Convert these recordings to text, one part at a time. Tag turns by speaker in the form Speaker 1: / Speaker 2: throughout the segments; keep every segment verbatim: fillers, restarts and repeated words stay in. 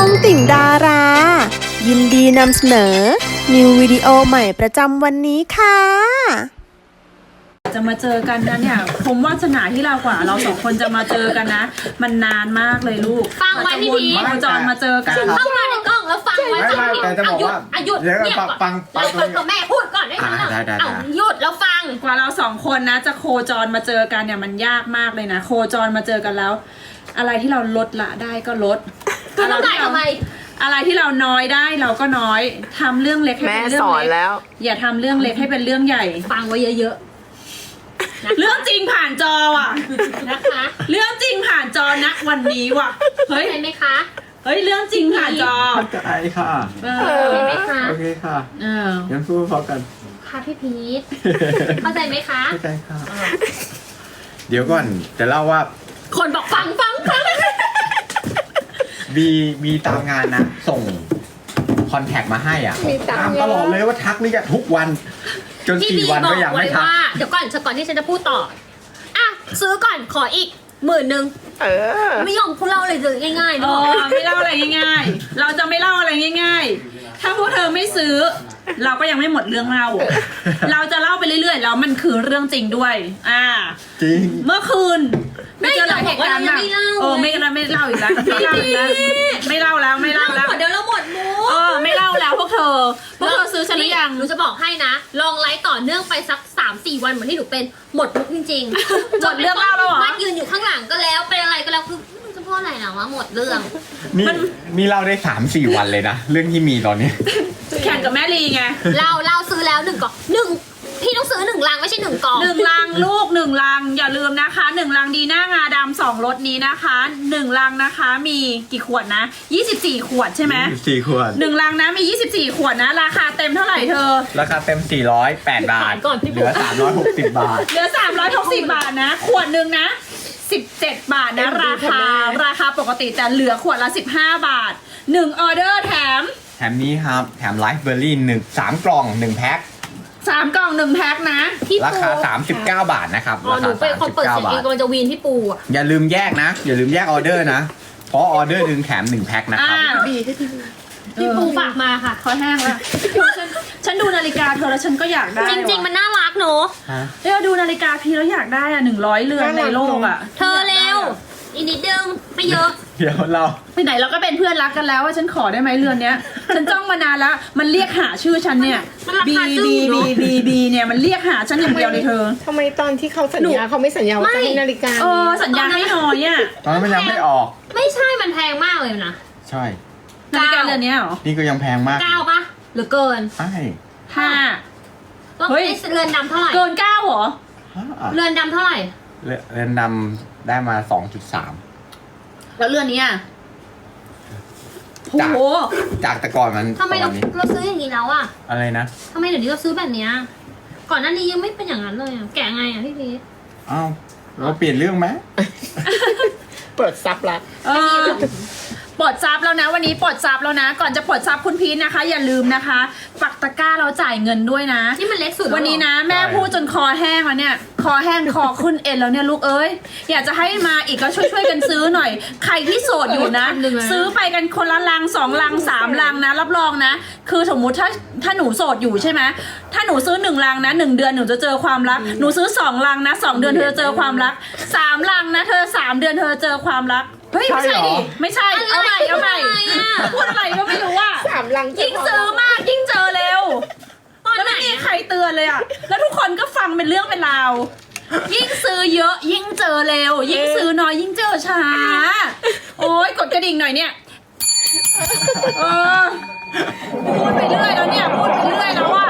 Speaker 1: องติ่งดารา ยินดีนำเสนอ นิววิดีโอใหม่ประจำวันนี้ค่ะ
Speaker 2: จะมาเจอกันนะเนี่ยผมวาสนาที่เรากว่าเราสองคนจะมาเจอกันนะ มันนานมากเลยลูก
Speaker 3: ฟังไว้พี่พี
Speaker 2: โคจรมาเจอกัน
Speaker 3: เข้ามาในกล้องแล้วฟังไว้
Speaker 4: ไม่ไม่แต่จะบอกว่า
Speaker 3: หยุด
Speaker 4: เดี๋ยว
Speaker 3: เงียบ
Speaker 4: ฟัง
Speaker 3: ก่อน
Speaker 4: ฟังฟัง
Speaker 3: แล้วกับแม่พูดก่อนได้ไหม
Speaker 4: อ่าได้ได้ได้
Speaker 3: เอาหยุดแล้วฟัง
Speaker 2: กว่าเราสองคนนะจะโคจรมาเจอกันเนี่ยมันยากมากเลยนะโคจรมาเจอกันแล้ว อะไรที่เราลดละได้ก็ลด
Speaker 3: ก็ต้องได้ทำไม
Speaker 2: อะไรที่เราน้อยได้เราก็น้อยทำเรื่องเล็กให้เป็นเรื่องเล็กอย่าทำเรื่องเล็กให้เป็นเรื่องใหญ่
Speaker 3: ฟังไว้เยอะๆ
Speaker 2: เรื่องจริงผ่านจอว่ะ
Speaker 3: นะคะ
Speaker 2: เรื่องจริงผ่านจอนะวันนี้ว่ะเฮ้ย
Speaker 3: เห็นไหมคะ
Speaker 2: เฮ้ยเรื่องจริงผ่านจอ
Speaker 4: เข้าใจค่ะ
Speaker 2: เอ
Speaker 3: เห็น
Speaker 2: อ
Speaker 3: ไหมคะ
Speaker 4: โอเคค่ะ
Speaker 2: เออ
Speaker 4: งั้นพูดพร้อมกัน
Speaker 3: ค่ะพี่พีทเข้าใจไหมคะ
Speaker 4: เข้าใจค่ะ เดี๋ยวก่อนจะเล่าว่า
Speaker 3: คนบอกฟังฟังฟัง
Speaker 4: มีมีตามงานนะ ส่งคอนแทคมาให้อ่ะตามตลอดเลยว่าทักนี่จะทุกวัน จน
Speaker 3: พี่
Speaker 4: สี่
Speaker 3: บี
Speaker 4: วัน
Speaker 3: บอ
Speaker 4: ก็
Speaker 3: ก
Speaker 4: ยัง
Speaker 3: ไว้
Speaker 4: ไม่ทัก
Speaker 3: ว่าเดี๋ยวก่อนก่อนที่ฉันจะพูดต่ออ่ะซื้อก่อนขออีกหมื่นหนึ่ง
Speaker 5: เออ
Speaker 3: ไม่ยอมพูดเล่าเลยเลยง่ายๆ
Speaker 2: เอ
Speaker 3: เนาะ
Speaker 2: อไม่เล่าอะไรง่ายๆ เราจะไม่เล่าอะไรง่ายๆ ถ้าพวกเธอไม่ซื้อ เราก็ยังไม่หมดเรื่องเล่า เราจะเล่าไปเรื่อยๆ แล้วมันคือเรื่องจริงด้วย อ่า
Speaker 4: จริง
Speaker 2: เมื่อคืนไม่เจอหลายเหตุการณ์อะเออไม่เล่าไม่เล่าอีกแล้วไม่เล่าอีกแล้วไม่เล่าแล้วไม่เล่าแล้ว
Speaker 3: หมดเดี๋ยวเราหมดมู
Speaker 2: เออไม่เล่าแล้วพวกเธอพวกเธอซื้อฉันหรือยัง
Speaker 3: หนูจะบอกให้นะ ลองไลฟ์ต่อเนื่องไปสักสามสี่วันเหมือนที่หนูเป็นหมดมุกจริงๆ
Speaker 2: หมดเรื่องเล่าแล้วเหรอ
Speaker 3: มันยืนอยู่ข้างหลังก็แล้วเป็นอะไรก็แล้วคือมันจะพูดอะไรนะวะหมดเรื่อง
Speaker 4: นี่นี่เล่าได้สามสี่วันเลยนะ เรื่องที่มีตอนนี้
Speaker 2: แข่งกับแม่ลีไง
Speaker 3: เราเราซื้อแล้วหนึ่งกล่องหนึ่งพี่ต้องซื้อหนึ่งลังไม่ใช่หนึ่งกล่อง
Speaker 2: หนึ่งลังลูกหนึ่งลังอย่าลืมนะคะหนึ่งลังดีหน้างาดำสองรสนี้นะคะหนึ่งลังนะคะมีกี่ขวดนะยี่สิบสี่ขวดใช่ไหม
Speaker 4: สี่ขวด
Speaker 2: หนึ่งลังนะมียี่สิบสี่ขวดนะราคาเต็มเท่าไหร่เธอ
Speaker 4: ราคาเต็มสี่ร้อยแปดบาท เหลือสามร้อยหกสิบบาท
Speaker 2: เหลือสามร้อยหกสิบบาทนะ ขวดหนึ่งนะสิบเจ็ดบาทนะราคาราคาปกติแต่เหลือขวดละสิบห้าบาทหนึ่งออเดอร์แถม
Speaker 4: แถมนี้ครับ แถมไลฟ์เบอร์รี่หนึ่งสามกล่องหนึ่งแพ็ค
Speaker 2: สามกล่องหนึ่งแพ็คนะ
Speaker 3: พี่
Speaker 4: รา
Speaker 3: ปู
Speaker 4: คาสามสิบเก้าบาทนะครับ
Speaker 3: อ๋อ
Speaker 4: รา
Speaker 3: หนู
Speaker 4: คา
Speaker 3: เป็นคนเปิด
Speaker 4: สาม
Speaker 3: เสี
Speaker 4: สิ
Speaker 3: ย
Speaker 4: บ
Speaker 3: ง
Speaker 4: เก้า บาท
Speaker 3: เองกำลังจะวีนพี่ปูอ่ะ
Speaker 4: อย่าลืมแยกนะ อย่าลืมแยกออเดอร์นะ เพราะออเดอร์หนึ่งแถมหนึ่งแพ็คนะครับ
Speaker 2: อ่า
Speaker 5: ดีให้พี่
Speaker 3: พี่ปูฝากมาค่ะ
Speaker 2: คอแห้งแล้วเธอฉันฉันดูนาฬิกาเธอแล้วฉันก็อยากได้
Speaker 3: จริง ๆ มันน่ารักเนอะ
Speaker 2: เดี๋ยวดูนาฬิกาพี่แล้วอยากได้อ่ะหนึ่งร้อยเรือนในโลกอ่ะ
Speaker 3: เธอเร็วอีกนิดนึงไม่เยอะ
Speaker 4: เดี๋ยวเรา
Speaker 2: ไปไหนเราก็เป็นเพื่อนรักกันแล้วว่าฉันขอได้ไหมเรือนเนี้ย ฉันจ้องมานานแล้วมันเรียกหาชื่อฉันเนี่ย
Speaker 3: มันรา
Speaker 2: บี
Speaker 3: คาจึ้ง
Speaker 2: บี
Speaker 3: เน
Speaker 2: บี
Speaker 3: อะ
Speaker 2: บีบีเนี่ยมันเรียกหาฉันอย่างเดียวเลยเธอ
Speaker 5: ทำไมตอนที่เขาสัญญาเขาไม่สัญญาว่าจะให้นาฬิกา
Speaker 2: เออสัญญาให้น้อยอ่ะ
Speaker 4: ตอนนั้นมันยังไม่ออก
Speaker 3: ไม่ใช่มันแพงมากเลยนะ
Speaker 4: ใช่
Speaker 2: นาฬิกาเรือนเนี้ยเหรอ
Speaker 4: นี่ก็ยังแพงมาก
Speaker 3: เก้าปะหรือเกิน
Speaker 4: ใช่
Speaker 2: ห้า
Speaker 3: ต้อง
Speaker 2: เฮ้ย
Speaker 3: ไอ้เรือนดำเท่าไหร่
Speaker 2: เกินเก้าเหรอ
Speaker 3: เรือนดำเท่าไหร่
Speaker 4: เรืเรือนดำได้มาสองจุดสาม
Speaker 2: แล้วเรือนนี้อ่ะโห
Speaker 4: จาก จากแต่ก่อนมัน
Speaker 3: ทำไม
Speaker 4: ป
Speaker 3: เรา
Speaker 4: ระมาณนี้
Speaker 3: เราซื้ออย่างนี้แล้วอะ
Speaker 4: อะไรนะ
Speaker 3: ทำไมเดี๋ยวนี้เราซื้อแบบเนี้ยก่อนหน้านี้ยังไม่เป็นอย่างนั้นเลยอะแกะไงอะพี่พีท
Speaker 4: อ้าวเราเปลี่ยนเรื่องไหม
Speaker 5: เปิดซับละ
Speaker 2: เออปลดซับแล้วนะวันนี้ปลดซับแล้วนะ ก่อนจะปลดซับคุณพีทนะคะ อย่าลืมนะคะปักตะกร้าเราจ่ายเงินด้วยนะ
Speaker 3: ที่มันเล็กสุดแล้ว
Speaker 2: วันนี้นะแม่พูดจนคอแห้งแล้วเนี่ยคอแห้งคอขึ้นเอ็นแล้วเนี่ยลูกเอ้ยอยากจะให้มาอีกก็ช่วยช่วยๆกันซื้อหน่อย ใครที่โสดอยู่นะ ซื้อไปกันคนละลังสองลังสามลังนะรับรองนะ คือสมมุติถ้าถ้าหนูโสดอยู่ใช่ไหมถ้าหนูซื้อหนึ่งลังนะหนึ่งเดือนหนูจะเจอความรักหนูซื้อสองลังนะสองเดือนเธอจะเจอความรักสามลังนะเธอสามเดือนเธอจะเจอความรักเฮ้ยไม่ใช่ดิไม่ใช่เอาใหม่เอาใหม่พูดอะไรก็ไม่รู้อ่ะ
Speaker 5: สามลัง
Speaker 2: ยิ่งซื้อมากยิ่งเจอเร็ว
Speaker 3: ตอน
Speaker 2: แล้ว
Speaker 3: ไหน
Speaker 2: ไม่มีใครเตือนเลยอ่ะ แล้วทุกคนก็ฟังเป็นเรื่องเป็นราว ยิ่งซื้อเยอะ ยิ่งเจอเร็ว ยิ่งซื้อน้อยยิ่งเจอช้า โอ้ยกดกระดิ่งหน่อยเนี่ยเออพูดไปเรื่อยแล้วเนี่ยพูดไปเรื่อยแล้วอ่ะ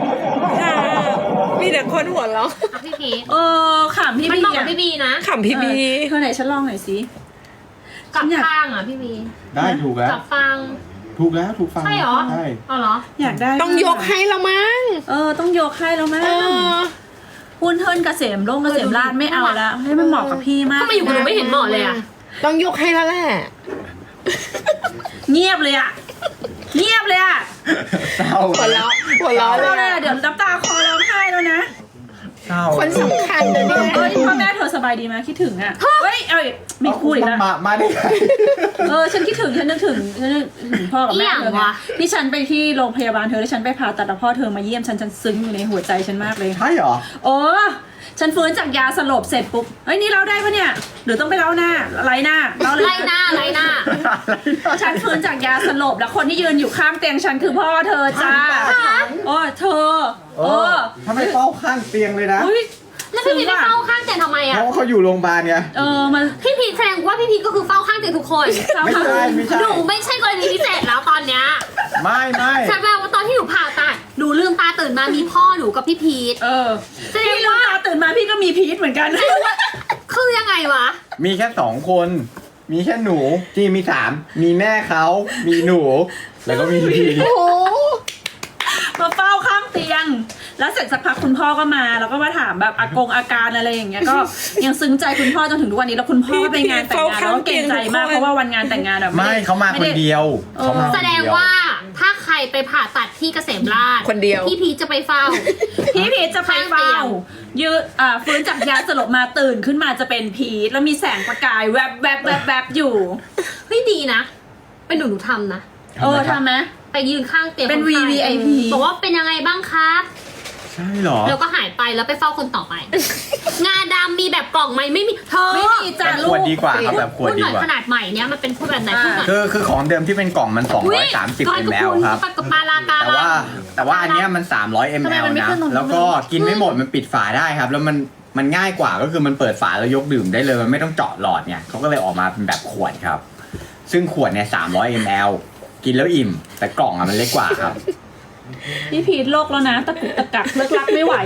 Speaker 5: มีแต่คนหัวเราะ
Speaker 3: อ่ะพี่พีท
Speaker 2: เออขำพี่
Speaker 3: มัน
Speaker 2: บี
Speaker 3: เหมาะกับ
Speaker 2: อ่ะ
Speaker 3: พี่บีนะ
Speaker 5: ขำพี่บี
Speaker 2: เธอไหนฉันลองหน่อยสิ
Speaker 3: กับ
Speaker 2: ฉันอยาก
Speaker 3: ฟางอ่ะพี่บี
Speaker 4: ได้ถูกแล้ว
Speaker 3: กับฟาง
Speaker 4: ถูกแล้วถูกฟัง
Speaker 3: ใช่เหรอ
Speaker 4: ใช่
Speaker 3: อ๋อเหรอ
Speaker 2: อยากได้
Speaker 5: ต้องยกให้ละมั้ง
Speaker 2: เออต้องยกให้แล้วมั้ง
Speaker 5: เออ
Speaker 2: หุ้นเทินเกษมโรงเกษมราชไม่เอาแล้ว ให้มันเหมาะกับพี่มาก
Speaker 3: ทำไมอยู่กับหนูไม่เห็นเหมาะเลยอ่ะ
Speaker 5: ต้องยกให้แล้วแหละ
Speaker 2: เงียบเลยอ่ะ เงียบเลยอ่ะ
Speaker 4: เศร้า
Speaker 5: หัวเราะหัวเราะเล
Speaker 2: เรา
Speaker 5: ย
Speaker 2: เลย
Speaker 5: อะ
Speaker 2: อะเดี๋ยวน้ำตาคอร้องไห้แล้วนะ
Speaker 4: เเศร้า
Speaker 5: คนสำคัญนะเนี่ย
Speaker 2: เอ้ยพ่อแม่เธอสบายดีไหมคิดถึงอ่ะเฮ้ยเอ้ยไม่พูดอีกแล้ว
Speaker 4: มามาได้ไง
Speaker 2: เออฉันคิดถึงฉันนึกถึงฉันนึกถึงพ่อกับแม่เธอไงที่ฉันไปที่โรงพยาบาลเธอแล้วฉันไปผ่าตัดแล้วพ่อเธอมาเยี่ยมฉันฉันซึ้งอยู่ในหัวใจฉันมากเลย
Speaker 4: ใช่เหรอ
Speaker 2: โอ้ฉันฟื้นจากยาสลบเสร็จปุ๊บเฮ้ยนี่เล่าได้ปะเนี่ยหรือต้องไปเล่าหน้าไรหน้าเล่าเลย
Speaker 3: ไล่หน้าไล่หน้า
Speaker 2: ฉันฟื้นจากยาสลบแล้วคนที่ยืนอยู่ข้างเตียงฉันคือพ่อเธอจ้าโอ้เธอ
Speaker 4: เอ
Speaker 2: เอ
Speaker 4: อ
Speaker 2: อ
Speaker 4: ทำไมเฝ้าข้างเตียงเลยนะ
Speaker 2: อุ้ย
Speaker 3: แล้วพี่พีทไปเฝ้าข้างเตียงทำไม
Speaker 4: เพ
Speaker 3: อ่ะ
Speaker 4: ราะว่าเขาอยู่โรงพยาบาลไง
Speaker 2: เออมัน
Speaker 3: พี่พีทแสดงว่าพี่พีทก็คือเฝ้าข้างเตียงทุกคน
Speaker 4: ไม่ใช่ไม่ใช่
Speaker 3: หนูไม่ใช่กรณีพิเศษแล้วตอนเนี้ย
Speaker 4: ไม่ไม่
Speaker 3: ฉันแปลว่าตอนที่หนูผ่าตัดหนูลืมตาตื่นมามีพ่อหนูกับพี่พีท
Speaker 2: เออ
Speaker 3: แสดง
Speaker 2: พี่ลืม
Speaker 3: ว่า
Speaker 2: ตาตื่นมาพี่ก็มีพีทเหมือนกัน
Speaker 3: คือยังไงวะ
Speaker 4: มีแค่สองคน มีแค่หนูจีมีสามมีแม่เขา มีหนู แล้วก็มีพี่
Speaker 5: โอ้โห
Speaker 2: มาเฝ้าข้างเตียง แล้วเสร็จสักพักคุณพ่อก็มาแล้วก็มาถามแบบอากงอาการอะไรอย่างเงี้ยก็ยังซึ้งใจคุณพ่อจนถึงทุกวันนี้แล้วคุณพ่อก็ไปงานแต่งงานแล้วก็เกรงใจมากเพราะว่าวันงานแต่งงานแบบ
Speaker 4: ไม่เขามาคนเดียวเขามาคน
Speaker 3: แสด
Speaker 4: เดี
Speaker 3: ง
Speaker 4: ยว
Speaker 3: ว่าถ้าใครไปผ่าตัดที่เกษมราช
Speaker 5: คนเดียว
Speaker 3: พี่พีทจะไปเฝ้า
Speaker 2: พี่พีทจะไป
Speaker 3: ข้างเตี
Speaker 2: เฝ้าย
Speaker 3: ง
Speaker 2: ยืดอ่าฟื้นจากยาสลบมาตื่นขึ้นมาจะเป็นพีทแล้วมีแสงประกายแวบแวบแวบแวบอยู่
Speaker 3: เฮ้ยดีนะ เป็นหนูหนูทำนะ
Speaker 2: เออทำไหม
Speaker 3: ไปยืนข้างเตียง
Speaker 2: เป็น
Speaker 3: คไข้
Speaker 2: วี วี ไอ พี
Speaker 3: บอกว่าเป็นยังไงบ้างครับ
Speaker 4: ใช่เหรอ
Speaker 3: แล้วก็หายไปแล้วไปเฝ้าคนต่อไป งาดำมีแบบกล่องไหมไม่มีเธอ
Speaker 2: ไม่มีจ้ะ
Speaker 4: แบบ
Speaker 2: ลู
Speaker 4: ขวด
Speaker 2: ก
Speaker 4: ดีกว่าครับแบบขวด
Speaker 3: พูด
Speaker 4: ดี
Speaker 3: หน่อย
Speaker 4: กว่า
Speaker 3: ขนาดใหม่เนี้ยมันเป็นพูดแบบไหน
Speaker 2: อ่า
Speaker 3: พูดหน่อย
Speaker 4: คือคือของเดิมที่เป็นกล่องมัน
Speaker 3: อุ๊ย
Speaker 4: สองร้อยสามสิบ
Speaker 3: ก้อย
Speaker 4: ม
Speaker 3: กระ
Speaker 4: ล
Speaker 3: พุน
Speaker 4: ครับ
Speaker 3: กับปลาลากา
Speaker 4: แต่ว่าแต่ว่าอันเนี้ยมันสามร้อยม
Speaker 2: ทำไม
Speaker 4: ล
Speaker 2: มันไม่
Speaker 4: นะ
Speaker 2: ขึ้นตรงนี้
Speaker 4: แล้วก็กินไม่หมดมันปิดฝาได้ครับ แล้วมันมันง่ายกว่าก็คือมันเปิดฝาแล้วยกดื่มได้เลยมันไม่ต้องเจาะหลอดเนี่ยเขาก็เลยออกมาเป็นแบบขวดครับ ซึ่งขวดเนี่ยสามร้อยมลกินแล้วอิ่ม แต่กล่องอะมันเล็กกว่าครับ
Speaker 2: พี่พีทโลกแล้วนะตะกุกตะกักเลิกลักไม่ไหว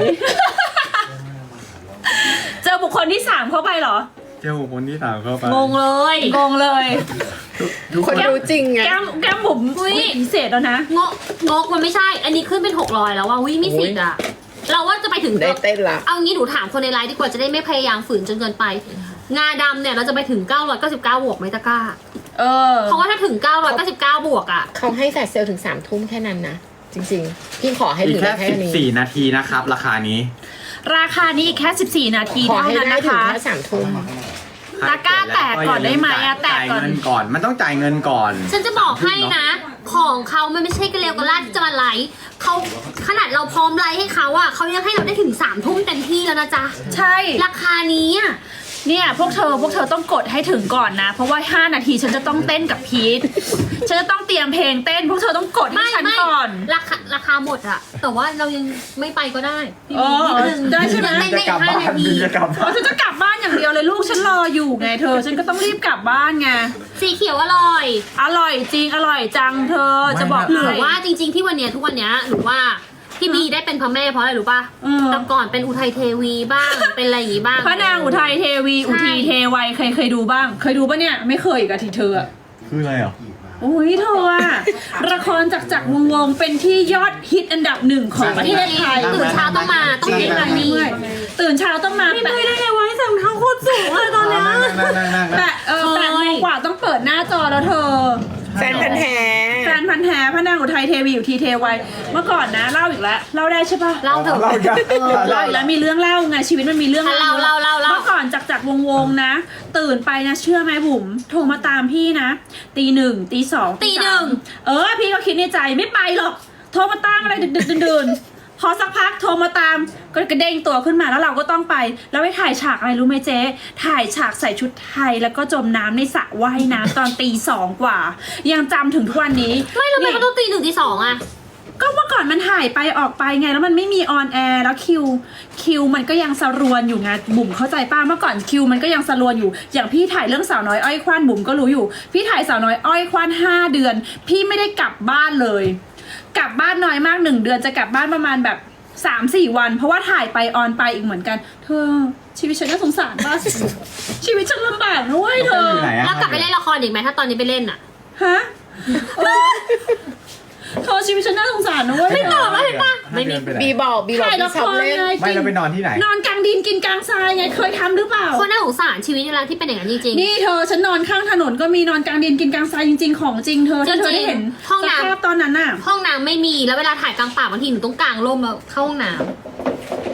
Speaker 2: เจอบุคคลที่สามเข้าไปเหรอ
Speaker 4: เจ้าคนที่สามเข้าไป
Speaker 3: งงเลย
Speaker 2: งงเลย
Speaker 4: ทุก
Speaker 5: ค
Speaker 4: คน น
Speaker 5: รู้จริงไง
Speaker 2: แก้มแก้มบุ๋ม
Speaker 3: อุ๊ย
Speaker 2: พิเศษแล้วนะ
Speaker 3: งกงกมันไม่ใช่ อันนี้ขึ้นเป็นหกร้อยแล้วว่าวิมีสิทธิ์อะเราว่าจะไปถึง
Speaker 5: ได้เต้นละ
Speaker 3: เอางี้หนูถามคนในไลน์ดีกว่าจะได้ไม่พยายามฝืนจนเกินไป งาดำเนี่ยเราจะไปถึงเก้าร้อยเก้าสิบเก้าบวกไหมตะกร้า
Speaker 2: เออ
Speaker 3: เพราะว่าถ้าถึงเก้าร้อยเก้าสิบเก้าบวกอะ
Speaker 5: เขาให้แฟลชเซลถึงสามทุ่มแค่นั้นนะ จริงๆ พี่ขอให้
Speaker 4: อีก
Speaker 5: ถึง
Speaker 4: แค่
Speaker 5: แค่
Speaker 4: สิบ
Speaker 5: นี้
Speaker 4: สี่นาทีนะครับ ราคานี้
Speaker 2: ราคานี้อีกแค่สิบสี่นาที
Speaker 5: ขอ
Speaker 2: เท่า
Speaker 5: ให้
Speaker 2: นั้น
Speaker 5: ได้
Speaker 2: นะ
Speaker 5: ถึง
Speaker 2: คะ
Speaker 5: แค่สามทุ่ม
Speaker 2: ตะกร้าแตกก่อนได้ไหมอะแตก
Speaker 4: จ่าย
Speaker 2: ก่อน
Speaker 4: เงินก่อน มันต้องจ่ายเงินก่อน
Speaker 3: ฉันจะบอกให้นะ ของเขามันไม่ใช่กระเลวกระลาดที่จะมาไลฟ์เขาขนาดเราพร้อมไลฟ์ให้เขาอะเขายังให้เราได้ถึงสามทุ่มเต็มที่แล้วนะจ๊ะ
Speaker 2: ใช่
Speaker 3: ราคานี้อะ
Speaker 2: เนี่ยพวกเธอพวกเธอต้องกดให้ถึงก่อนนะ เพราะว่าห้านาทีฉันจะต้องเต้นกับพีทฉันจะต้องเตรียมเพลงเต้น พวกเธอต้องกดให้
Speaker 3: ไม่
Speaker 2: ฉัน
Speaker 3: ไม่
Speaker 2: ก่อน
Speaker 3: ราคาราคาหมดอะแต่ว่าเรายังไม่ไปก็ได้พี่
Speaker 2: อ๋อ
Speaker 3: นิดนึง
Speaker 2: ได้ใช่ไหม
Speaker 3: ยังเต้นได้อีกห้านาที
Speaker 4: จะกลับ
Speaker 2: อ๋อฉันจะกลับบ้านอย่างเดียวเลยลูกฉันรออยู่ไงเธอ ฉันก็ต้องรีบกลับบ้านไง
Speaker 3: สีเขียวอร่อย
Speaker 2: อร่อยจริงอร่อยจังเธอจะบอก
Speaker 3: หรือ
Speaker 2: ให้
Speaker 3: ว่าจริง ๆที่วันเนี้ยทุกวันเนี้ยหนูว่าพี่บีได้เป็นพระแม่เพราะอะไรรู้ป่ะ
Speaker 2: เออ
Speaker 3: แต่ก่อนเป็นอุทัยเทวีบ้าง เป็นอะไรอย่างงี้บ้าง
Speaker 2: พระนางอุทัยเทวี
Speaker 3: ใช่
Speaker 2: อุทีเทวัยเคยเคยดูบ้าง เคยดูปะเนี่ยไม่เคยอีกอะทีเธออะ
Speaker 4: คืออะไรอ่ะ
Speaker 2: โอ้ยเธออะละครจากจากวงวงเป็นที่ยอดฮิตอันดับหนึ่งของประเทศไทย
Speaker 3: ตื่นเช้าต้องมาต้อง
Speaker 2: จริ
Speaker 3: เต้
Speaker 2: ง
Speaker 3: น
Speaker 2: อะ
Speaker 3: แบบ
Speaker 2: นี่
Speaker 3: นี้
Speaker 2: ตื่นเช้าต้องมาแปะ
Speaker 3: ได้ไงวะใส่รองเท้าโคตรสูงเลยตอนเนี้ย
Speaker 4: นั่งนั่งนั่งนั่ง
Speaker 2: แปะเออแปดโมงกว่าต้องเปิดหน้าจอแล้วเธอ
Speaker 5: แฟนพันธ์แท้
Speaker 2: แฟนพันธ์แท้พระนางอุทัยเทวีอยู่ทีเทวัยเมื่อก่อนนะเล่าอีกแล้วเล่าได้ใช่ปะ
Speaker 3: เล่าเถอะ
Speaker 4: เราจะ
Speaker 2: เออเล่าอีกแล้วมีเรื่องเล่าไงชีวิตมันมีเรื่อง
Speaker 3: อ่ะเล่าเล่าเล่าเล่า
Speaker 2: เมื่อก่อนจากจากวงวงนะ ตื่นไปนะเชื่อไหมบุ๋มโทรมาตามพี่นะตีหนึ่งตีสอง
Speaker 3: ตีหนึ่ง
Speaker 2: สามเออพี่ก็คิดในใจไม่ไปหรอกโทรมาตามอะไรดึกดึกดื่นๆพอสักพักโทรมาตามก็กระเด้งตัวขึ้นมาแล้วเราก็ต้องไป แล้วไปถ่ายฉากอะไรรู้ไหมเจ๊ถ่ายฉากใส่ชุดไทยแล้วก็จมน้ำในสระว่ายน้ำตอนตีสองกว่า ยังจำถึงทุกวันนี้
Speaker 3: ไม่เราไป
Speaker 2: นี่
Speaker 3: ก็ต้องตีหนึ่งตีสองอะ
Speaker 2: ก็เมื่อก่อนมันถ่ายไปออกไปไงแล้วมันไม่มีออนแอร์แล้วคิวคิวมันก็ยังสรวนอยู่ไงบุ๋มเข้าใจป้าเมื่อก่อนคิวมันก็ยังสรวนอยู่อย่างพี่ถ่ายเรื่องสาวน้อยอ้อยควันบุ๋มก็รู้อยู่พี่ถ่ายสาวน้อยอ้อยควันห้าเดือน พี่ไม่ได้กลับบ้านเลย กลับบ้านน้อยมากหนึ่งเดือนจะกลับบ้านประมาณแบบสามสี่วัน เพราะว่าถ่ายไปออนไปอีกเหมือนกัน เธอชีวิตฉันน่าสงสารมากชีวิตฉันลำบากนะเว้ยเธอ
Speaker 4: อยู่ไหนอะ
Speaker 3: แล้วกลับไปเล่นละครอีกไหมถ้าตอนนี้ไปเล่นอะ
Speaker 2: ฮะเออเธอชีวิตฉันน่าสงสารนะเว้ย
Speaker 3: ไม่ตอบแล้วเห็นปะ
Speaker 4: ไม่มีไปไหน
Speaker 5: บีบอกบีบอก
Speaker 2: ถ่ายละ
Speaker 5: พี่
Speaker 2: ค
Speaker 5: ชอบ
Speaker 2: ร
Speaker 5: เล่น
Speaker 2: ไง
Speaker 4: ไม่เราไปนอนที่ไหน
Speaker 2: นอนกลางดินกินกลางทรายไงเคยทำหรือเปล่า
Speaker 3: คนน่าสงสารชีวิตเวลาที่เป็นอย่างนั้นจริง
Speaker 2: นี่เธอฉันนอนข้างถนนก็มีนอนกลางดินกินกลางทรายจริง ๆ ของจริงเธอถ้าเธอได้เห็น
Speaker 3: ห้อง
Speaker 2: ส
Speaker 3: น้ำ
Speaker 2: ภาพตอนนั้นน่ะ
Speaker 3: ๆห้องน้ำไม่มีแล้วเวลาถ่ายกลางป่าบางทีหนูต้องกางร่มแล้วเข้าห้องน้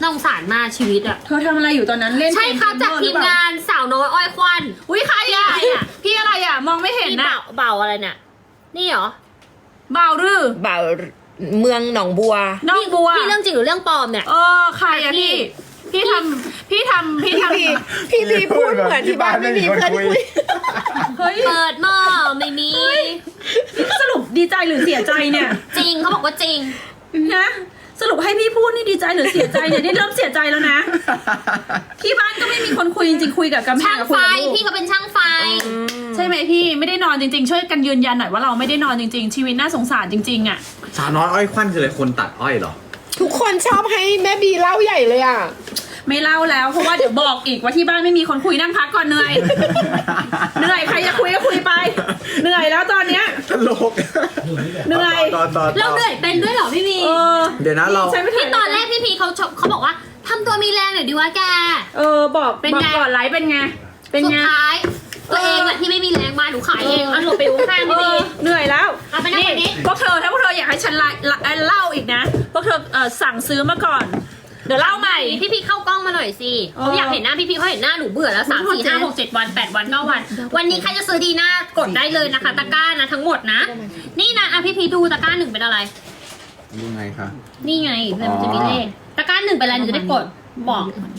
Speaker 3: น่าสงสารมากชีวิตอะ
Speaker 2: เธอทำอะไรอยู่ตอนนั้นเล่น
Speaker 3: ใช่ค่ะ
Speaker 2: เก
Speaker 3: จาก
Speaker 2: เมอร์
Speaker 3: ทีม
Speaker 2: หรือเปล่
Speaker 3: งานสาวน้อยอ้อยควัน
Speaker 2: อุ้ยใคร
Speaker 3: พี่
Speaker 2: อะ
Speaker 3: อะไรอะ
Speaker 2: พี่อะไรอะมองไม่เห็น
Speaker 3: พี่
Speaker 2: นะ
Speaker 3: เบาเบาอะไรเนี่ยนี่เหรอ
Speaker 2: เบาหรือ
Speaker 5: บ่าวเมืองหนองบัว
Speaker 2: น้องบัว
Speaker 3: พี่เรื่องจริงหรือเรื่องปลอมเนี่ย
Speaker 2: เออใครอะพี่ พี่ทำพี่ทำพี่ทำ
Speaker 5: พี่พี่พี่พูดเหมือนที่บ้านไม่มีเพื่อนคุย
Speaker 2: เฮ้ย
Speaker 3: เปิดหม้อไม่มี
Speaker 2: สรุปดีใจหรือเสียใจเนี่ย
Speaker 3: จริงเขาบอกว่าจริง
Speaker 2: นะสรุปให้พี่พูดนี่ดีใจหรือเสียใจเนี่ยนี่เริ่มเสียใจแล้วนะ ที่บ้านก็ไม่มีคนคุยจริงๆคุยกับกำแพ
Speaker 3: ช่าง ง
Speaker 2: กับ
Speaker 3: ไฟ
Speaker 2: คุยกับลูก
Speaker 3: พี่เขาเป็นช่างไฟ
Speaker 2: ใช่ไหมพี่ไม่ได้นอนจริงๆ ช่วยกันยืนยันหน่อยว่าเราไม่ได้นอนจริงๆ ชีวิตน่าสงสารจริงๆอ่ะ
Speaker 4: สาวน้อยอ้อยควันคืออะไรคนตัดอ้อยเหรอ
Speaker 5: ทุกคนชอบให้แม่บีเล่าใหญ่เลยอ่ะ
Speaker 2: ไม่เล่าแล้วเพราะว่าเดี๋ยวบอกอีกว่าที่บ้านไม่มีคนคุยนั่งพักก่อนเหนื่อยเหนื่อยใครจะคุยก็คุยไป เหนื่อยแล้วตอนเนี้ย
Speaker 4: ตลก
Speaker 2: เหนื่อย
Speaker 4: ต่อต่อต่อ
Speaker 3: เราเหนื่อยเป็นด้วยเหรอพี่มี
Speaker 2: เออ
Speaker 4: เดี๋ยวนะเรา
Speaker 2: ใช่ไหม
Speaker 3: พี่ตอนแรกพี่พีเขาชเขาบอกว่าทำตัวมีแรงหน่อยดีวะแก
Speaker 2: เออบอก
Speaker 3: เป็น
Speaker 2: บอก
Speaker 3: ไง
Speaker 2: ก่อนไลฟ์เป็นไงเป็น
Speaker 3: สุด
Speaker 2: ไง
Speaker 3: ท้ายตัวเองแหละที่ไม่มีแรงมาหนูขายเองเอาหลบไปข้างๆ
Speaker 2: เอ
Speaker 3: พี่พี
Speaker 2: อเหนื่อยแล้ว
Speaker 3: เอาไปนั่งแบบนี้
Speaker 2: พวกเธอถ้าพวกเธออยากให้ฉันไลเล่าอีกนะพวกเธอเออสั่งซื้อมาก่อน เดี๋ยวเล่าใหม่
Speaker 3: พี่พีเข้ากล้องมาหน่อยสิ
Speaker 2: เออ
Speaker 3: เขาอยากเห็นหน้าพี่พีเขาเห็นหน้าหนูเบื่อแล้วสามสี่ห้าหกเจ็ดวันแปดวันเก้าวัน วันนี้ใครจะซื้อดีหน้ากดได้เลยนะคะ ตะกร้านะทั้งหมดนะ นี่นะอ่ะพี่พีดูตะกร้าหนึ่งเป็นอะไร
Speaker 4: ยังไงคะ
Speaker 3: นี่ไงแล้วมันจะมีเลขตะกร้าหนึ่งเป็นอะไรหนูจะได้กดบอก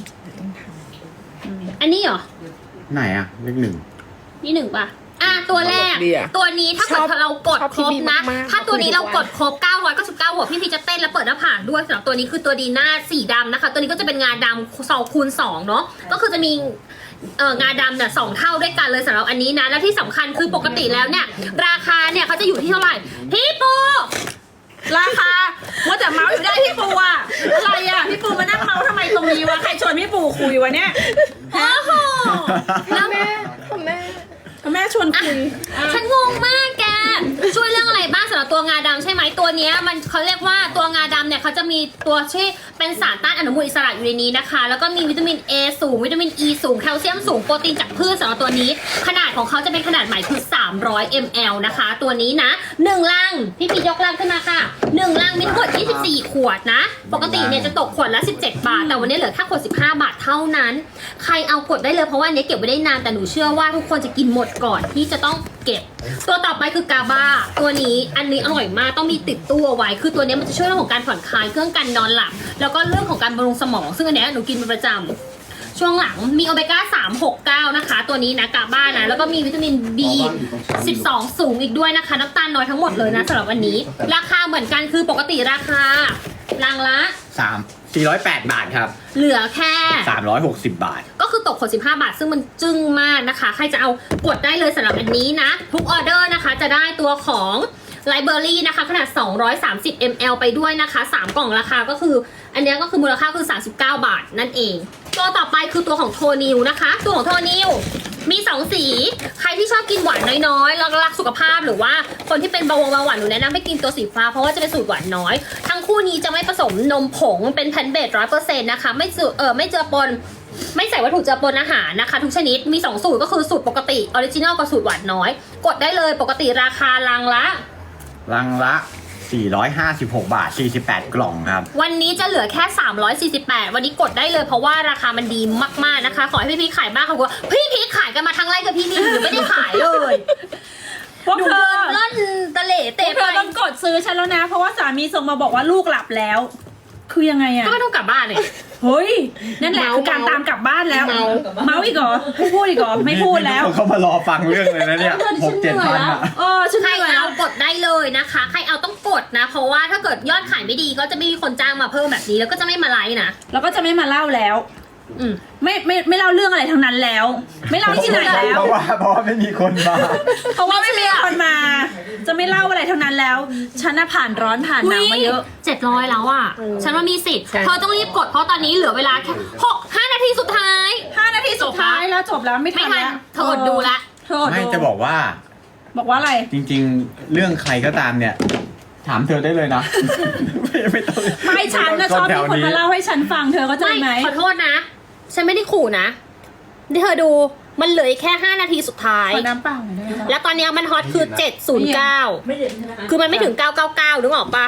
Speaker 3: อันนี้เหรอ
Speaker 4: ไหนอะเลขหนึ่ง
Speaker 3: นี่หนึ่งป่ะ อ่ะตัวแรก
Speaker 5: ดีอะ
Speaker 3: ตัวนี้ถ้าเกิ
Speaker 5: ช
Speaker 3: ด
Speaker 5: อบ
Speaker 3: เรากด
Speaker 5: ชอบ
Speaker 3: ครบ
Speaker 5: พี่บี
Speaker 3: นะ
Speaker 5: มากๆ
Speaker 3: ถ้าตัวนี้
Speaker 5: ข
Speaker 3: เรา
Speaker 5: อบคุณ
Speaker 3: กดครบเก้าร้อยเก้าสิบเก้าหัวพี่พีจะเต้นและเปิดหน้าผากด้วยสำหรับตัวนี้คือตัวดีหน้าสีดำนะคะ ตัวนี้ก็จะเป็นงาดำสองคูณสองเนาะ ก็คือจะมีเอ่องาดำเนี่ยสองเท่าด้วยกันเลยสำหรับอันนี้นะ และที่สำคัญคือปกติแล้วเนี่ย ราคาเนี่ยเขาจะอยู่ที่เท่าไหร่ พี่ปู
Speaker 2: ราคาว่าแต่เมาส์อยู่ได้พี่ปูอะอะไรอะพี่ปูมานั่งเมาส์ทำไมตรงนี้วะใครชวนพี่ปูคุยวะเนี่ย
Speaker 3: โอ้โหแล้ว
Speaker 5: แม่พ่อแม่
Speaker 2: แม่ชวนคุย
Speaker 3: ฉันงงมากแก ช่วยเรื่องอะไรบ้างสำหรับตัวงาดำใช่ไหมตัวเนี้ยมันเขาเรียกว่าตัวงาดำเนี่ยเขาจะมีตัวที่เป็นสารต้านอนุมูลอิสระอยู่ในนี้นะคะ แล้วก็มีวิตามิน A สูงวิตามิน E สูงแคลเซียมสูงโปรตีนจากพืชสำหรับตัวนี้ ขนาดของเขาจะเป็นขนาดใหม่คือสามร้อยมิลลิลิตร นะคะ ตัวนี้นะหนึ่งลังพี่พียกลังขึ้นมาค่ะหนึ่งลังมีทั้งหมดยี่สิบสี่ขวดนะ ปกติเนี่ยจะตกขวดละสิบเจ็ดบาทแต่วันนี้เหลือแค่ขวดสิบห้าบาทเท่านั้นใครเอากดได้เลยเพราะว่าอันนี้เก็บไว้ได้นานแต่หนูเชื่อว่าทุกคนจะกินหมดก่อนที่จะต้องเก็บ ตัวต่อไปคือกาบาตัวนี้อันนี้อร่อยมากต้องมีติดตู้เอาไว้คือตัวนี้มันจะช่วยเรื่องของการผ่อนคลายเครื่องกันนอนหลับแล้วก็เรื่องของการบำรุงสมอง ซึ่งอันเนี้ยหนูกินเป็นประจำช่วงหลังมีโอเมก้าสาม หก เก้านะคะตัวนี้นะกาบานะแล้วก็มีวิตามิน บี สิบสอง สูงอีกด้วยนะคะน้ำตาลน้อยทั้งหมดเลยนะสำหรับวันนี้ ราคาเหมือนกันคือปกติราคาลังละ
Speaker 4: สามสี่ร้อยแปดบาทครับ
Speaker 3: เหลือแค่
Speaker 4: สามร้อยหกสิบบาท
Speaker 3: ก็คือตกขวดสิบห้าบาทซึ่งมันจึ้งมากนะคะ ใครจะเอากดได้เลยสำหรับอันนี้นะ ทุกออเดอร์นะคะจะได้ตัวของไลเบอรี่นะคะขนาดสองร้อยสามสิบมิลลิลิตร ไปด้วยนะคะสามกล่องราคาก็คือ อันเนี้ยก็คือมูลค่าคือสามสิบเก้าบาทนั่นเอง ตัวต่อไปคือตัวของโทนิวนะคะ ตัวของโทนิวมีสองสี ใครที่ชอบกินหวานน้อยๆแล้วรักสุขภาพหรือว่าคนที่เป็นเบาหวานเบาหวานหนูแนะนำให้กินตัวสีฟ้าเพราะว่าจะเป็นสูตรหวานน้อย ทั้งคู่นี้จะไม่ผสมนมผงเป็นแพนเบสร้อยเปอร์เซ็นต์นะคะไม่เจอเออไม่เจอปน ไม่ใส่วัตถุเจือปนอาหารนะคะทุกชนิดมีสองสูตรก็คือสูตรปกติออริจินอลกับสูตรหวานน้อย กดได้เลยปกติราคาลังละ
Speaker 4: ลังละสี่ร้อยห้าสิบหกบาทสี่สิบแปดกล่องครับ
Speaker 3: วันนี้จะเหลือแค่สามร้อยสี่สิบแปดวันนี้กดได้เลยเพราะว่าราคามันดีมากๆนะคะ ขอให้พี่พีขายบ้างค่ะว่าพี่พีขายกันมาทั้งไร่กับพี่มีหนูไม่ได้ขายเลย
Speaker 2: พวก
Speaker 3: หนู
Speaker 2: เธ
Speaker 3: เดิ
Speaker 2: อน
Speaker 3: เล่นตะเหล่
Speaker 2: พว
Speaker 3: เตะ
Speaker 2: กเธ
Speaker 3: ไป
Speaker 2: อต้องกดซื้อฉันแล้วนะ เพราะว่าสามีส่งมาบอกว่าลูกหลับแล้ว คือยังไงอะ
Speaker 3: ก็ไม่ต้องกลับบ้านเลย
Speaker 2: เฮ้ยนั่นแหละคือการตามกลับบ้านแล้ว
Speaker 5: เมา
Speaker 2: เมาอีกเหรอไม่พูดอีกเหรอไม่พูดแล้ว
Speaker 4: เขามารอฟังเรื่องเลยนะเนี่ยหกเจ็ดพันอ่ะ
Speaker 2: เออฉัน
Speaker 3: ใคร
Speaker 2: เหนื่อยแล้
Speaker 3: เอา
Speaker 2: ว
Speaker 3: กดได้เลยนะคะ ใครเอาต้องกดนะ เพราะว่าถ้าเกิดยอดขายไม่ดีก็จะไม่มีคนจ้างมาเพิ่มแบบนี้แล้วก็จะไม่มาไลฟ์นะ
Speaker 2: แล้วก็จะไม่มาเล่าแล้ว
Speaker 3: อืม
Speaker 2: ไม่ไม่ไม่เล่าเรื่องอะไรทั้งนั้นแล้ว ไม่เล่าที่ไหนแล้ว
Speaker 4: เพราะว่าเพราะว่าไม่มีคนมา
Speaker 2: เพราะว่าไม่มีคนมา จะไม่เล่าอะไรทั้งนั้นแล้ว ฉันน่ะผ่านร้อนผ่านหนาวมาเยอะ
Speaker 3: เจ็ดร้อยแล้วอ่ะ ฉันว่ามีสิทธิ์
Speaker 5: ใช่
Speaker 3: เธอต้องรีบกดเพราะตอนนี้เหลือเวลาแค่หกห้านาทีสุดท้าย
Speaker 2: ห้านาทีสุดท้ายแล้วจบแล้วไม่ทั
Speaker 3: ไม่
Speaker 2: น
Speaker 3: ทัน
Speaker 2: แล้ว
Speaker 3: เธออดดูละ
Speaker 2: เธออด
Speaker 4: ไม่
Speaker 2: ดู
Speaker 4: จะบอกว่า
Speaker 2: บอกว่าอะไร
Speaker 4: จริงๆ เรื่องใครก็ตามเนี่ย ถามเธอได้เลยนะ ไม่ไม่ต้อง
Speaker 2: ไม่ฉันนะชอบมีคนมาเล่าให้ฉันฟังเธอก็ใจ
Speaker 3: ไม่
Speaker 2: ไหม
Speaker 3: ขอโทษนะ ฉันไม่ได้ขู่นะที่เธอดูมันเหลืออีกแค่ห้านาทีสุดท้าย
Speaker 2: ขอน้ำเปล่าหน่อยได้ไหม
Speaker 3: แล้วตอนเนี้ยมันฮอตคือเจ็ดศูนย์เก้าคือมันไม่ถึงเก้าเก้าเก้านึกออกปะ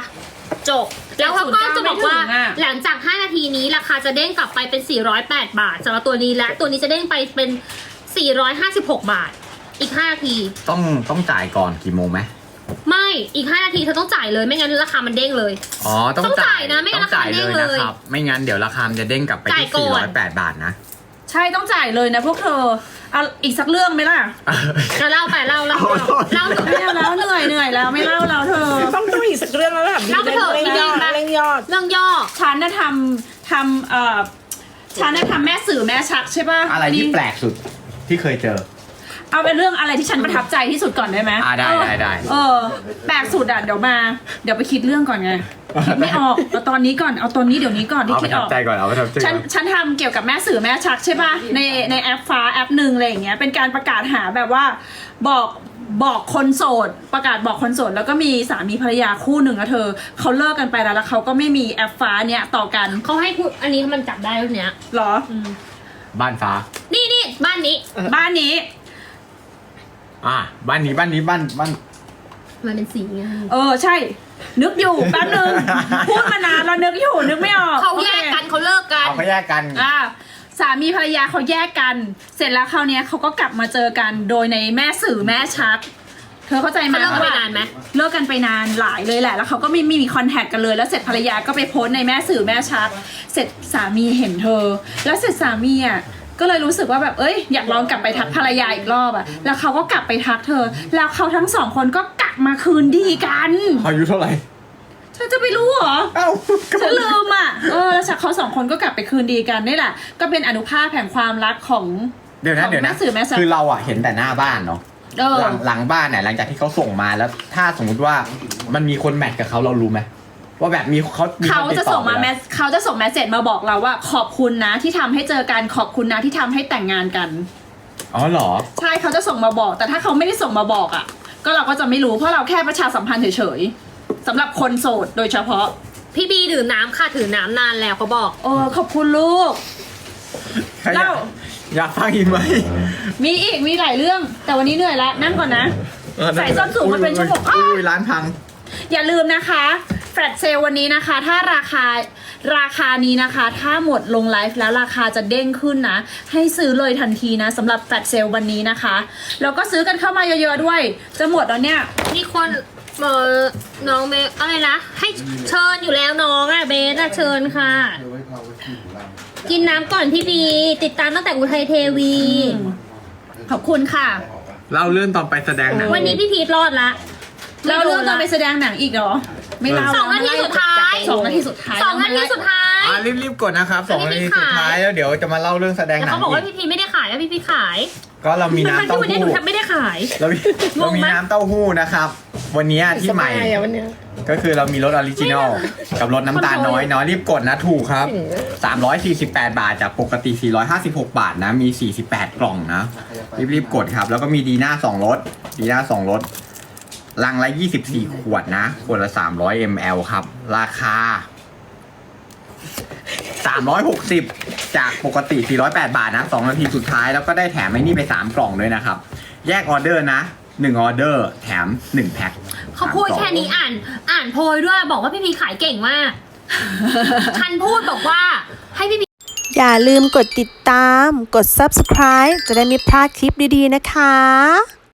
Speaker 3: จบแล้วเขาก็จะบอกว่า
Speaker 2: ไม่ถึงอะ
Speaker 3: หลังจากห้านาทีนี้ราคาจะเด้งกลับไปเป็นสี่ร้อยแปดบาทสำหรับตัวนี้และตัวนี้จะเด้งไปเป็นสี่ร้อยห้าสิบหกบาทอีกห้านาที
Speaker 4: ต้องต้องจ่ายก่อนกี่โมงไหม
Speaker 3: ไม่อีกห้านาทีเธอต้องจ่ายเลยไม่งั้นราคามันเด้งเลย
Speaker 4: อ๋อต้อง
Speaker 3: ต้องจ่ายนะไม่งั้น
Speaker 4: ต้องจ่าย
Speaker 3: ราคาเด้
Speaker 4: เลย
Speaker 3: งเลย
Speaker 4: นะครับ ไม่งั้นเดี๋ยวราคามันจะเด้งกลับไป
Speaker 3: จ่าย
Speaker 4: ที่
Speaker 3: ก่อน
Speaker 4: สี่ร้อยแปดบาทนะ
Speaker 2: ใช่ต้องจ่ายเลยนะพวกเธอเอาอีกสักเรื่องไหมล่ะ
Speaker 3: เราเล่าไปเล่าเล่าเล่า
Speaker 2: ไม่เอาแล้วเหนื่อยเหนื่อยแล้วไม่เล่าแล้วเธอ
Speaker 5: ต้องต้องอีกสักเรื่องแล้วแบบ
Speaker 3: เล่าไปเถอะ
Speaker 5: เร่งยอด
Speaker 3: พี่บีม
Speaker 5: เร่งยอด
Speaker 3: เรื่องย่อ
Speaker 2: ฉันน่ะทำทำเอ่อฉันน่ะทำแม่สื่อแม่ชักใช่ป่ะ
Speaker 4: อะไรที่แปลกสุดที่เคยเจอ
Speaker 2: เอาเป็นเรื่องอะไรที่ฉันประทับใจที่สุดก่อนได้ไหม
Speaker 4: อ่าได้ได้ได้
Speaker 2: เออแปลกสุดอ่ะเดี๋ยวมา เดี๋ยวไปคิดเรื่องก่อนไงคิดไม่ออกเอาตอนนี้ก่อนเอาตอนนี้เดี๋ยวนี้ก่อนที่
Speaker 4: เอาป
Speaker 2: คิด
Speaker 4: ระ
Speaker 2: อ
Speaker 4: ทับอก ใจก่อนเอาประทับใจ
Speaker 2: ฉัน
Speaker 4: ก่อน
Speaker 2: ฉันทำเกี่ยวกับแม่สื่อแม่ชักใช่ป่ะในในแอปฟ้าแอปหนึ่งอะไรอย่างเงี้ยเป็นการประกาศหาแบบว่าบอกบอกคนโสด ประกาศบอกคนโสดแล้วก็มีสามีภรรยาคู่หนึ่งอะเธอเขาเลิกกันไปแล้วแล้วเขาก็ไม่มีแอปฟ้าเนี้ยต่อกัน
Speaker 3: เขาให้พูดอันนี้มันจับได้แล้วเนี้ย
Speaker 2: เหรอ
Speaker 4: บ้านฟ้า
Speaker 3: นี่นี่บ้านนี้
Speaker 2: บ้านนี้
Speaker 4: อ่าบ้านนี้บ้านนี้บ้านบ้าน
Speaker 3: มันเป็นสีไง
Speaker 2: เออใช่ นึกอยู่แป๊บนึงพูดมานานแล้วนึกอยู่นึกไม่ออก
Speaker 3: เขาแยกกันเขาเลิกกัน
Speaker 4: เอาเขาแยกกัน
Speaker 2: อ่าสามีภรรยาเขาแยกกัน เสร็จแล้วคราวเนี้ยเขาก็กลับมาเจอกันโดยในแม่สื่อแม่ชัก เธอเข้าใจไหม
Speaker 3: เขาเลิกกันไป
Speaker 2: ว่
Speaker 3: นานไหม
Speaker 2: เลิกกันไปนานหลายเลยแหละ แล้วเขาก็ไม่ไม่มีคอนแทคกันเลย แล้วเสร็จภรรยาก็ไปโพสต์ในแม่สื่อแม่ชัก เสร็จสามีเห็นเธอ แล้วเสร็จสามีอ่ะก็เลยรู้สึกว่าแบบเอ้ยอยากลองกลับไปทักภรรยาอีกรอบอ่ะแล้วเขาก็กลับไปทักเธอ แล้วเขาทั้งสองคนก็กลับมาคืนดีกัน
Speaker 4: อายุเท่าไหร่
Speaker 2: เธอจะไปรู้เหรอ
Speaker 4: เอ้าก็
Speaker 2: ฉันลืมอ่ะ เออ แล้วเขาสองคนก็กลับไปคืนดีกันนี่แหละ ก็เป็นอนุภาพแห่งความรักของ
Speaker 4: เดี๋ยวนะเดี๋ยว
Speaker 2: แม่
Speaker 4: นะ
Speaker 2: สื่อแม่ชัก
Speaker 4: คือเราอ่ะเห็นแต่หน้าบ้านเนาะ
Speaker 2: เออ
Speaker 4: หลังหลังบ้านเนี่ยหลังจากที่เขาส่งมาแล้ว ถ้าสมมุติว่ามันมีคนแมทกับเขาเรารู้ไหมว่าแบบมีเขามี
Speaker 2: เขา
Speaker 4: คนติด
Speaker 2: จะ
Speaker 4: ต่อ
Speaker 2: ส่งมา
Speaker 4: ไป
Speaker 2: แม
Speaker 4: แล้ว
Speaker 2: สเขาจะส่งแมสเซจมาบอกเราว่าขอบคุณนะที่ทำให้เจอกัน ขอบคุณนะที่ทำให้แต่งงานกัน
Speaker 4: อ๋อเหรอ
Speaker 2: ใช่เขาจะส่งมาบอก แต่ถ้าเขาไม่ได้ส่งมาบอกอ่ะ ก็เราก็จะไม่รู้ เพราะเราแค่ประชาสัมพันธ์เฉยๆสำหรับคนโสดโดยเฉพาะ
Speaker 3: พี่บีดื่มน้ำค่ะถือน้ำนานแล้วเขาบอก
Speaker 2: โอ้ขอบคุณลูก
Speaker 4: ใครอยาก
Speaker 2: เล่า
Speaker 4: อยากฟังอีกไหม
Speaker 2: มีอีก มีหลายเรื่อง แต่วันนี้เหนื่อยแล้ว นั่งก่อนนะ ใส่ส้นสูงมาเป็นชั่วโมง
Speaker 4: อุ้ยอุ้ยร้านพัง
Speaker 2: อย่าลืมนะคะแฟลชเซลวันนี้นะคะ ถ้าราคาราคานี้นะคะ ถ้าหมดลงไลฟ์แล้วราคาจะเด้งขึ้นนะ ให้ซื้อเลยทันทีนะสำหรับแฟลชเซลวันนี้นะคะแล้วก็ซื้อกันเข้ามาเยอะๆด้วย จะหมดแล้วเนี่ย
Speaker 3: มีคนเออน้องเบสอะไรนะให้เชิญอยู่แล้วน้องอะเบสอะเชิญค่ะ กินน้ำก่อนพี่บีติดตามตั้งแต่อุทัยเทวี
Speaker 2: ขอบคุณค่ะ
Speaker 4: เล่าเรื่องตอนไปแสดงหนัง
Speaker 3: วันนี้พี่พีทรอดละ
Speaker 2: แล้วเรื่องตอนไปแสดงหนังอีกเหรอ ไม่เล่า
Speaker 3: สองนาทีสุดท้าย
Speaker 2: สองนาทีสุดท้าย
Speaker 3: สองนาทีสุดท้าย
Speaker 4: อ่ะรีบๆกดนะครับสอง
Speaker 3: อัน
Speaker 4: นา
Speaker 3: นี้
Speaker 4: ที
Speaker 3: ไม่
Speaker 4: สุด
Speaker 3: ขาย
Speaker 4: ท้ายแล้วเดี๋ยวจะมาเล่าเรื่องแสดง
Speaker 3: แล้ว
Speaker 4: หนั
Speaker 3: เขา
Speaker 4: ง
Speaker 3: บอกว่า
Speaker 4: อีก
Speaker 3: พี่พีไม่ได้ขายแล้วพี่พีขาย
Speaker 4: ก็เรามี
Speaker 3: ทั้ง
Speaker 4: น้ำ
Speaker 3: ที่
Speaker 4: เต้า
Speaker 3: วันนี้หนู
Speaker 4: หู้
Speaker 3: แทบไม่ได้ขาย
Speaker 4: เรามีเรามี
Speaker 3: งงไหม
Speaker 4: น้ำเต้าหู้นะครับ วันนี้ที่ใหม่
Speaker 5: สบายอะวันเนี้ย
Speaker 4: ก็คือเรามีรสออริจินอลกับรสน้ำตาลน้อยน้อยรีบกดนะถูกครับ
Speaker 5: ถึง
Speaker 4: สามร้อยสี่สิบแปด บาทจากปกติ สี่ร้อยห้าสิบหก บาทนะ มี สี่สิบแปด กล่องนะ รีบๆกดครับ แล้วก็มีดีน่าสองรสดีน่าสองรสลังละ ยี่สิบสี่ ขวดนะ ขวดละ สามร้อยมิลลิลิตร ครับ ราคา สามร้อยหกสิบ จากปกติ สี่ร้อยแปด บาทนะ สองนาทีสุดท้ายแล้วก็ได้แถมไอ้นี่ไป สาม กล่องด้วยนะครับ แยกออเดอร์นะ หนึ่ง ออเดอร์ แถม หนึ่ง แพ็ค
Speaker 3: เขาพูดแค่นี้อ่านอ่านโพยด้วยบอกว่าพี่พีขายเก่งมาก ฉันพูดบอกว่าให้พี่พี
Speaker 1: อย่าลืมกดติดตาม กด ซับสไครบ์ จะได้ไม่พลาดคลิปดีๆนะคะ